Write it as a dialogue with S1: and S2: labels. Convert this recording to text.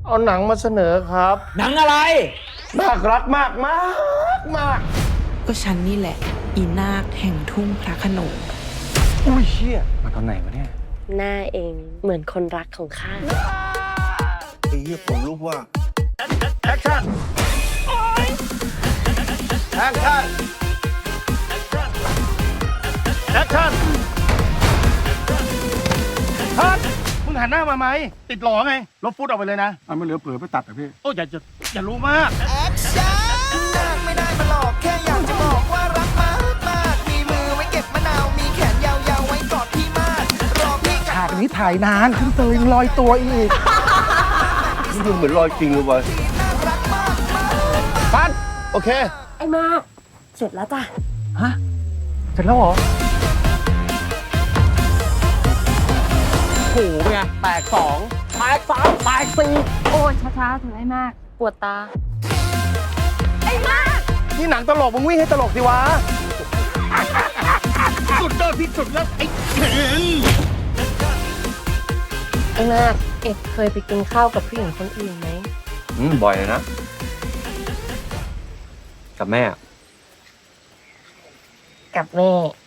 S1: เอาหนังมาเสนอครับ
S2: หนังอะไร
S1: น่ารักมากมากมาก
S3: ก็ฉันนี่แหละ อีนาคแห่งทุ่งพระโขนง
S1: อุ้ยเชี่ยมาตอนไหนวะเนี่ย
S4: หน้าเองเหมือนคนรักของข้า
S5: ไอ้เหี้ยผมรู้ว่า
S1: แอคชั่นแอคชั่นแอคชั่นฮัทมึงหันหน้ามาไหมติดหลอไงลบฟุตออกไปเลยนะไม่เหลือเผื่อไปตัดอ่ะพี่โอ้อย่ารู้มาก
S5: แอคชั่นไม่ได้มาหลอกแค่อยากจะบอกว่ารักมากมากมีมือไว้เก็บมะนาวมีแขนยาวๆไว้กอดพี่มากรอพี่กลับ
S1: ฉากนี้ถ่ายนานขึ้นเตยยังลอยตัวอีกนี่ดูเหมือนลอยจริงเลยวะ
S5: น่ารักมากมาก
S1: ปัดโอเค
S4: ไอ้มาก เสร็จแล้วจ้ะ
S1: ฮะเสร็จแล้วเหรอโหไงแตกสองแตกสามแตกสี่
S4: โอ้ยช้าๆเถอะไอ้มาก ปวดตา ไอ้มาก
S1: นี่หนังตลกมึงวิ่งให้ตลกสิวะสุดยอดที่สุดแล้วไอ้เข็น
S4: ไอ้มาก เอกเคยไปกินข้าวกับผู้หญิงคนอื่นไหม
S6: บ่อยเลยนะ กับแม่
S4: กับแม่